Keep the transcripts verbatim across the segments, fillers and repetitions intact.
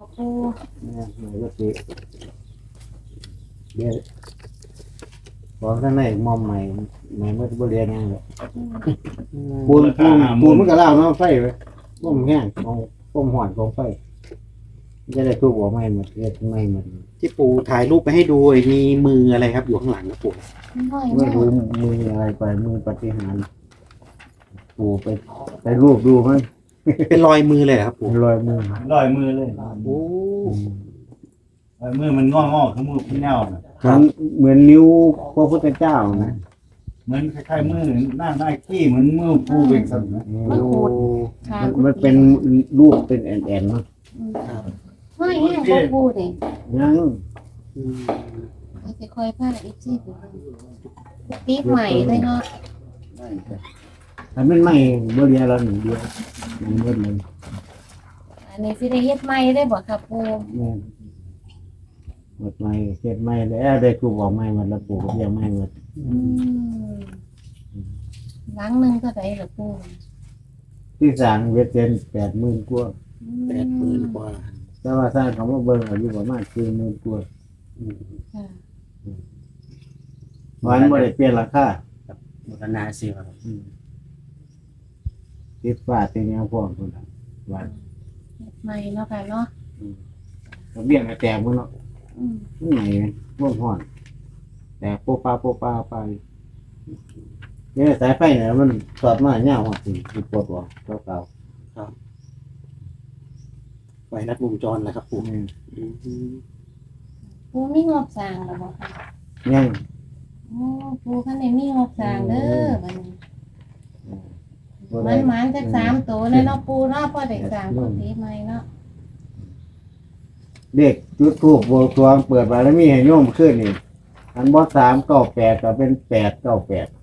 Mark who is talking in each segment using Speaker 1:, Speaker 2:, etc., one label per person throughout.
Speaker 1: ปู
Speaker 2: เนี่ยหน่อยก็สิเดี๋ยวบอกข้างในมอมใหม่ใหม่เมื่อบ่เรียนยังเลยปูนปูนปูนมันก็เล่าเนาะไฟไปต้มแห้งของต้มห่อนของไฟจะได้ทุบหัวไม่หมดเรียกไม่หมด
Speaker 3: ที่ปู่ถ่ายรูปไปให้ดูมีมืออะไรครับอยู่ข้างหลังครับปู่
Speaker 1: น้อย
Speaker 2: ไม่
Speaker 1: มาก
Speaker 2: รู้มืออะไรไปมือปฏิหารย์ปูไปไปรูปดูมั้ย
Speaker 3: เป็นรอยมือเลยเหรอครับปู่
Speaker 2: รอยมือ
Speaker 4: ลอยมือเลย
Speaker 3: โอ้
Speaker 4: ลอยมือมันงองๆคือมือพี่แนวน่ะ
Speaker 2: มันเหมือนนิ้วพระพุทธเจ้านะ
Speaker 4: เหมือนคล้ายๆมือหน้าหน้าขี้เหมือนมือปูเป็นสัตว์นะ
Speaker 1: มันขูดขา
Speaker 2: มัน
Speaker 1: กุ
Speaker 2: มัน
Speaker 1: ฏิ
Speaker 2: เป็นรูปเป็นแอนแอนเนาะ
Speaker 3: ครับ
Speaker 1: ห้อยแห้งบ่ปูนี่
Speaker 2: ยัง
Speaker 3: อืม
Speaker 1: ให้สิค่อยพาอีกซี่ไปเบิ่งกุฏิใหม่เลยเนาะ
Speaker 2: ถ้ามันไม่บ่เรียนเราหนึ่งเดียวมันเบิดเลย
Speaker 1: อันนี้สิได้เฮ็ดใหม่ได้บ่ครับปู
Speaker 2: แม่นหมดไม่เฮ็ดไม่แล้วได้ครูบอกไม่หมดแล้วปู่ก็ยังไม่หมด
Speaker 1: อืมหลังหนึงเท่าใดล่ะปู
Speaker 2: ที่สร้างเวทเจนแปดหมื่นกว่า
Speaker 3: แปดหมื่นกว่า
Speaker 2: แต่ว่าสร้างเขามาเบิ่งอายุประมาณสี่หมื่นกว่า
Speaker 3: อืม
Speaker 1: ค่ะ
Speaker 2: วันบ่ได้เปลี่ยนราคา
Speaker 3: บูรณาสิครับ
Speaker 2: อืมติดฟ้าติดแนวพวกพุ่นน่ะว่า
Speaker 1: เฮ็ดใหม่เนาะค่ะเนาะ
Speaker 2: ระเบียงก็แตกหมดเนาะ
Speaker 1: อืม
Speaker 2: มันไหนพวกห่อนแต่โปะปาโปะปาไปเนี่ยสายไฟเนี่ยมันสอดมาเงาหัวสิสิปวดหัวเก่า
Speaker 3: ไฟรัดวงจรนะครับ
Speaker 2: ๆ
Speaker 3: ปู่
Speaker 2: อืม
Speaker 3: อืม
Speaker 1: ปูมีงบสร้างแล้วบ่ค่ะ
Speaker 2: ยัง
Speaker 1: โอ้ปูคันได้มีงบสร้างเด้อบัดนี้
Speaker 2: บ่
Speaker 1: มั
Speaker 2: ได้
Speaker 1: นหมานจักสามตัวเลยเนาะปูเนาะพอได้สร้างกุฏิใหม่เนาะ
Speaker 2: เด็กจุดทูบบวงสรวงเปิดบารมีให้โยมขึ้นนี่อันบ่สามเก้าแปดก็เป็นแปดเก้าแปด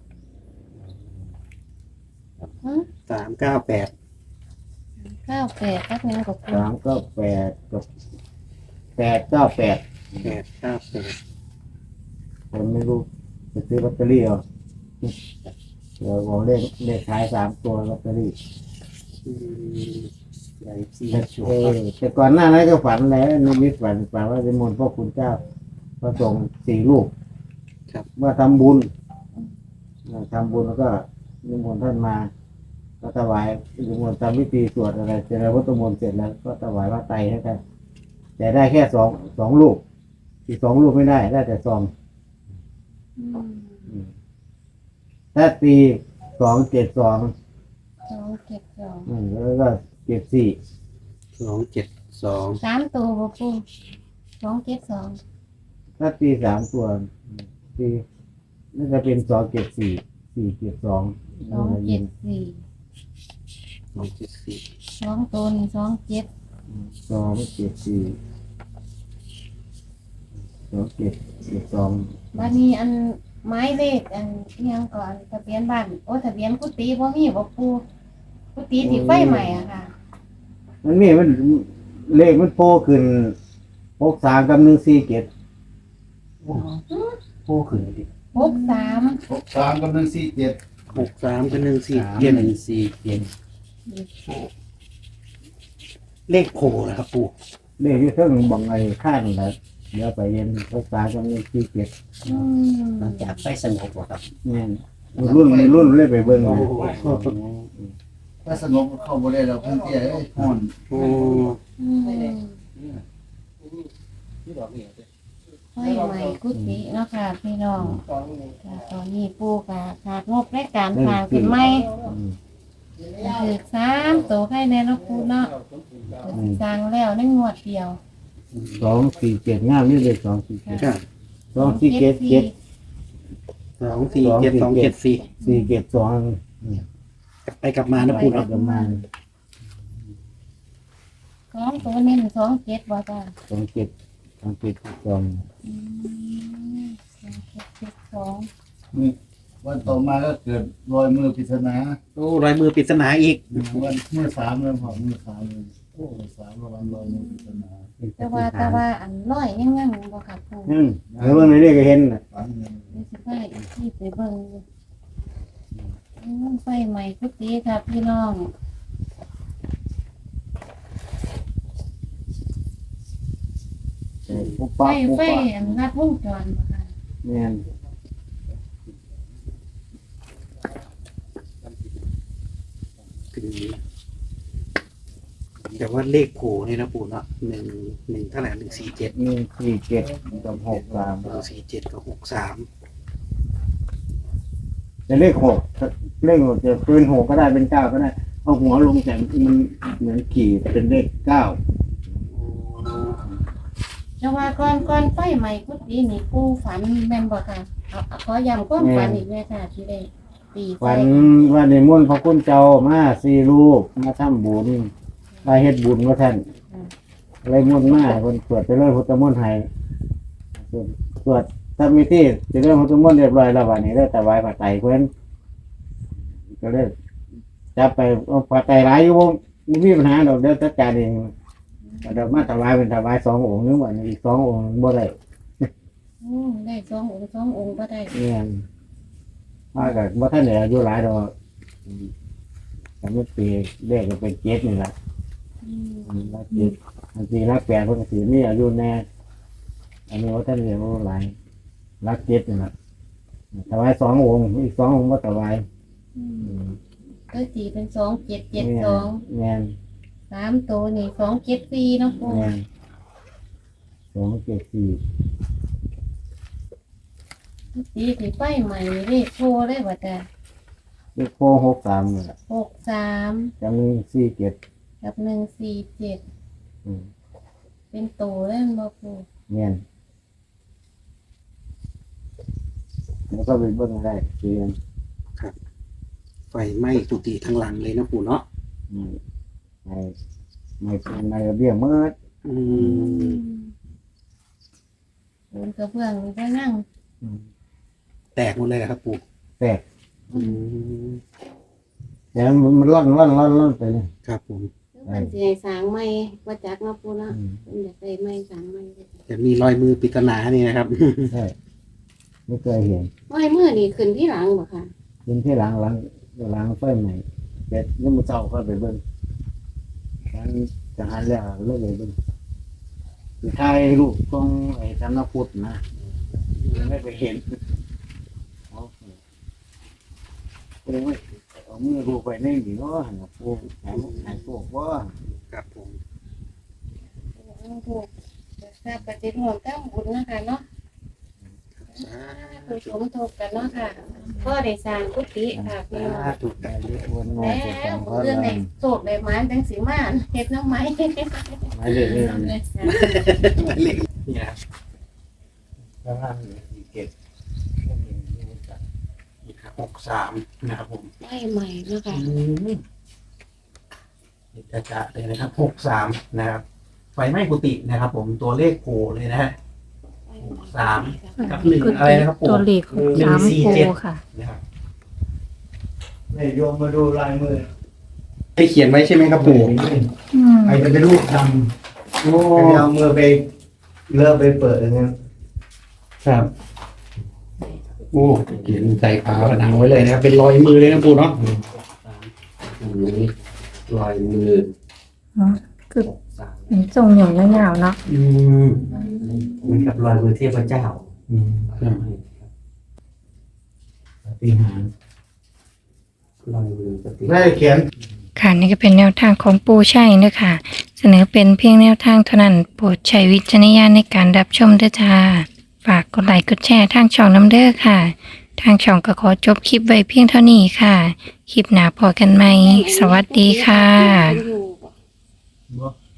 Speaker 1: ฮะ
Speaker 3: สามเก้าแปด
Speaker 1: เก้าแปดกับหยังกับปู
Speaker 2: สามเก้าแปดกับแปดเก้าแปด
Speaker 3: แปดเก้าแปด
Speaker 2: ผมไม่รู้จะซื้อลอตเตอรี่เอาเดี๋ยวบอกเลขเลขขายสามตัวลอตเตอรี่
Speaker 3: อืมใหญ่สี่
Speaker 2: แต่
Speaker 3: ชัว
Speaker 2: เออแต่ก่อนหน้านั้นก็ฝันแล้วนิมิตฝันฝันว่าจะมนต์พ่อคุณเจ้าพระสงฆ์สี่ลูก
Speaker 3: ครับ
Speaker 2: เมื่อทำบุญเมื่อทำบุญแล้วก็นิมนต์ท่านมาก็ถวายนิมนต์ทำพิธีสวดอะไรเสร็จแล้ววัตถุมนต์เสร็จแล้วก็ถวายพระไตรให้ท่านแต่ได้แค่สองสองลูกอีกสองลูกไม่ได้ได้แต่ซอง
Speaker 1: อืม
Speaker 2: ถ้าตีสองเจ็ดสอง
Speaker 1: สองเจ็ดสอง
Speaker 2: อืมแล้วก็เจ็ดสี่
Speaker 3: สองเจ็ดสอง
Speaker 1: สามตัวบ่ปูสองเจ็ดสอง
Speaker 2: ถ้าตีสามตัวตีน่าจะเป็นสองเจ็ดสี่สี่เจ็ดสอง
Speaker 1: สองเจ็ดสี่
Speaker 3: สองเจ็ดสี่
Speaker 1: สองตัวนี่สองเจ็ด
Speaker 2: สองเจ็ดสี่สองเจ็ดเจ็ดสอง
Speaker 1: บัดนี้อันไม้เลขอันอิหยังก่อนทะเบียนบ้านโอ้ทะเบียนกุฏิบ่มีบ่ปูกุฏิที่ไฟใหม่อะค่ะ
Speaker 2: มันมีมันเลขมันโผล่ขึ้นหกสามกับหนึ่งสี่เจ็ด
Speaker 3: โอ้ขึ้นดิ
Speaker 1: หกสาม
Speaker 4: หกสามกับหนึ่งสี่เจ็ด
Speaker 3: หกสามกับหนึ่งสี่
Speaker 2: เจ็
Speaker 3: เจ็
Speaker 2: ด
Speaker 3: ด
Speaker 2: หนึ่งสี่เจ็ด
Speaker 3: เลขโผล่นะครับปู่
Speaker 2: เลขที่เพิ่งบังไอ้ข้างแล้วเดี๋ยวไปเรียนหกสามกับหนึ่งสี่เจ็ด
Speaker 1: อืม
Speaker 3: หลังจากไฟสงบครับ
Speaker 2: เนี่ยรุ่นรุ่นเลยไปเบิ่งเลย
Speaker 4: ถ้าสงบเข้าบ่ได้เราเพิ่นเตี้ยเอ้ยฮ้อน
Speaker 3: โอ้
Speaker 1: อืมไฟใหม่กุฏิเนาะค่ะพี่น้องค่ะตอนนี้ปูก็ขาดงบในการสร้างขึ้นใหม่
Speaker 2: อืม
Speaker 1: ถือสามตัวให้แน่เนาะปูเนาะก็สิสร้างแล้วในงวดเดียว
Speaker 2: สองสี่เจ็ดงามนี่เลยสองสี่เจ็ด
Speaker 3: ครับ
Speaker 2: สองสี่เจ็ดเจ็ด
Speaker 3: สองสี่เจ็ดสองเจ็ดสี่
Speaker 2: สี่เจ็ดสอง
Speaker 3: กลับไปกลับมานะปู่เนาะ
Speaker 2: ประมาณ
Speaker 1: สองตัวนี้สองเจ็ดบ่จ้า
Speaker 2: สองเจ็ดสองเจ็ดสอง
Speaker 1: อืมสองเจ็ดเจ็ดสอง
Speaker 4: นี่วันต่อมาก็เกิดรอยมือปริศนา
Speaker 3: โอ้รอยมือปริศนาอีก
Speaker 4: วันมือสามเลยพอมือสามเลยโอ้มือสามระวังรอยมือปริศนา
Speaker 1: แต่ว่าแต่ว่าอันร้อยยังยังบ่ค่ะปู
Speaker 2: อืมแล้วเมื่อไหร่เรียกก็เห็นน่ะ
Speaker 4: ฝันเลย
Speaker 1: เดี๋ยวสิไปอีกที่ไปเบิ่งอยู่อืมไฟใหม่กุฏิค่ะพี่น้อง
Speaker 2: ปุ๊บ
Speaker 1: ไฟ
Speaker 2: ปั๊บปุ๊บ
Speaker 1: ไฟ
Speaker 2: ปั๊บ
Speaker 1: อันรัดวงจรบ่ค่ะ
Speaker 2: แม่น
Speaker 3: คือแต่ว่าเลขโผล่เนี่ยนะปู่เนาะหนึ่งหนึ่งเท่าไหร่หนึ่งสี่เจ็ด
Speaker 2: หนึ่งสี่เจ็ดกับหกสาม
Speaker 3: หนึ่งสี่เจ็ดกับหกสาม
Speaker 2: จะเลขหกเลขหกจะเป็นหกก็ได้เป็นเก้าก็ได้เอาหัวลงแต่มันเหมือนขี่เป็นเลขเก้า
Speaker 1: แต่ว่าก่อนก่อนไฟใหม่กุฏินี่ปู่ฝันแม่นบ่ค่ะเอาเอาขอย้ำความฝันอีกแม่ค่ะที่ได้ตีไฟ
Speaker 2: วันวันในมุ่นต์พระคุณเจ้ามาสี่รูปมาทำบุญมาเฮ็ดบุญว่าท่านอะไรมุ่นต์มาคนสวดไปเลยพุทธมนต์ให้สวดทำมีที่จะเรื่องพุทธมนต์เรียบร้อยแล้ววันนี้ได้แต่ไหว้พระไตรเพิ่นก็เลยจับไปเอาพระไตรหลายอยู่บ่ไม่มีปัญหาดอกเดี๋ยวจัดการเองเดี๋ยวมาถวายเป็นถวายสององค์นึงวันนี้อีกสององค์บ่ได้
Speaker 1: โอ้ได้สององค์สององค์บ่ได้
Speaker 2: เนี่ยมากับบ่ท่านเหลืออายุหลายดอกแต่ไม่ปีเลขก็เป็นเจ็ดนี่แหละ
Speaker 1: อืม
Speaker 2: รักเจ็ดอันจริงรักแปดเพิ่นก็สิมีอายุแน่อันนี้ว่าท่านเหลืออายุหลายรักเจ็ดนี่แหละถวายสององค์อีกสององค์บ่ถวาย
Speaker 1: อื
Speaker 2: อื
Speaker 1: ม
Speaker 2: ม
Speaker 1: ก็ตีเป็นสองเจ็ดเจ็ด
Speaker 2: แม่น
Speaker 1: สอง
Speaker 2: แม่น
Speaker 1: สามตัวนี่สองเจ็ดสี่เนาะปู่
Speaker 2: แม่นสองเจ็ดสี่
Speaker 1: ตีสีไฟใหม่เลขโทรได้บ่จ้ะ
Speaker 2: เลขโพหกสามนี่แหละ
Speaker 1: หกสาม
Speaker 2: จำหนึ่งสี่เจ็ด
Speaker 1: กับหนึ่งสี่เจ็ด
Speaker 2: อืม
Speaker 1: เป็นตัวเล่นบ่ปู่
Speaker 2: แม่นแล้วก็ไปเบิ่งได้เรียน
Speaker 3: ไฟไหม้กุฏิทั้งหลังเลยนะปู่เนาะ
Speaker 2: อืมในในในระเบียงเมื่อ
Speaker 3: อืม
Speaker 1: โดนกระเบื้องนี่ก็นั่ง
Speaker 3: แตกหมดเลยเหรอครับปู่
Speaker 2: แตก
Speaker 3: อืม
Speaker 2: แต่มันร่อนร่อนร่อนร่อนไปเลย
Speaker 3: ครับผม
Speaker 1: มันสิให้สร้างใหม่ว่าจักเนาะปู่เนาะ
Speaker 2: อืม
Speaker 1: เพิ่นอยากได้ใหม่สร้างใหม่
Speaker 3: แต่มีรอยมือปริศนานี่นะครับ
Speaker 2: ใช่ไม่เคยเห็น
Speaker 1: ไม้มือนี่ขึ้นที่หลังบ่ค่ะ
Speaker 2: กินที่หลังหลังหลังไฟใหม่เป็ดนี่มันเศร้าก็ไปเบิ่งฉันจะหันแล้วเลิกเลยเบิ่งคือถ่ายรูปตรงไอ้ธนพุทธนะไม่ไปเห็นเอาเอาไว้เอามือรูปไปในนี่เนาะหันมาปูหายหายพวกว่า
Speaker 3: ครับผม
Speaker 1: ถูกค่ะปฏิบัติตามบุญนะคะเนาะ
Speaker 3: สา
Speaker 1: ผู้ชมถูกกันเนาะค่ะก็ได้สร้างกุฏิค่ะพี่น้อง
Speaker 3: ธุ
Speaker 2: ได้เรียกวนงอ
Speaker 1: แล้
Speaker 2: สุดสอง
Speaker 1: ว
Speaker 2: พัน
Speaker 1: เรื่องในโศกในไม้จังสีมานเฮ็ดน้ำไม้
Speaker 2: ไม่ได้เรื่อง
Speaker 3: หมายเลขนี่นะครับ
Speaker 2: ข้างล่างมีเก็บ
Speaker 3: นี่ครับหกสามนะครับผม
Speaker 1: ไม่ใหม่เนาะค่ะ
Speaker 3: จะจะเลยนะครับหกสามนะครับ ไฟไหม้กุฏินะครับ ผมตัวเลขโผล่เลยนะฮะ สาม กับหนึ่งอะไรนะครับปู่
Speaker 5: ตัวเลขหก
Speaker 3: หนึ่
Speaker 5: สาง ม
Speaker 3: สี่
Speaker 5: โค
Speaker 3: เจ็ด
Speaker 5: ค่ะ
Speaker 3: นะครับ
Speaker 2: นี่โยมมาดูลายมือ
Speaker 3: ให้เขียนไว้ใช่ไหมครับปู่
Speaker 5: อืม
Speaker 2: ใครจะไปรูปทำ
Speaker 3: โอ้
Speaker 2: ใครจะเอามือไปเลิกไปเปิดอย่างเงี้ย
Speaker 3: ครับโอ้เขียนใส่ฝาผนังไว้เลยนะครับ เป็นรอยมือเลยนะปู่เนาะอืมรอยมือ
Speaker 5: อ๋อคือเป็นทรงหย่องยาวๆเนาะ
Speaker 3: อืม
Speaker 6: เหมือนกับรอยมือเทพเจ้า
Speaker 3: อืมครับ
Speaker 2: ปฏิหาร
Speaker 6: รอยมือปฏิ
Speaker 2: ได้เขียน
Speaker 5: ค่ะนี่ก็เป็นแนวทางของปูชัยเด้อค่ะ เสนอเป็นเพียงแนวทางเท่านั้น โปรดใช้วิจารณญาณในการรับชมด้วยจ้าฝากกดไลค์กดแชร์ทางช่องน้ำเด้อค่ะ ทางช่องก็ขอจบคลิปไว้เพียงเท่านี้ค่ะ คลิปหน้าพอกันไหม สวัสดีค่ะ
Speaker 1: อยู่บ่
Speaker 2: บ่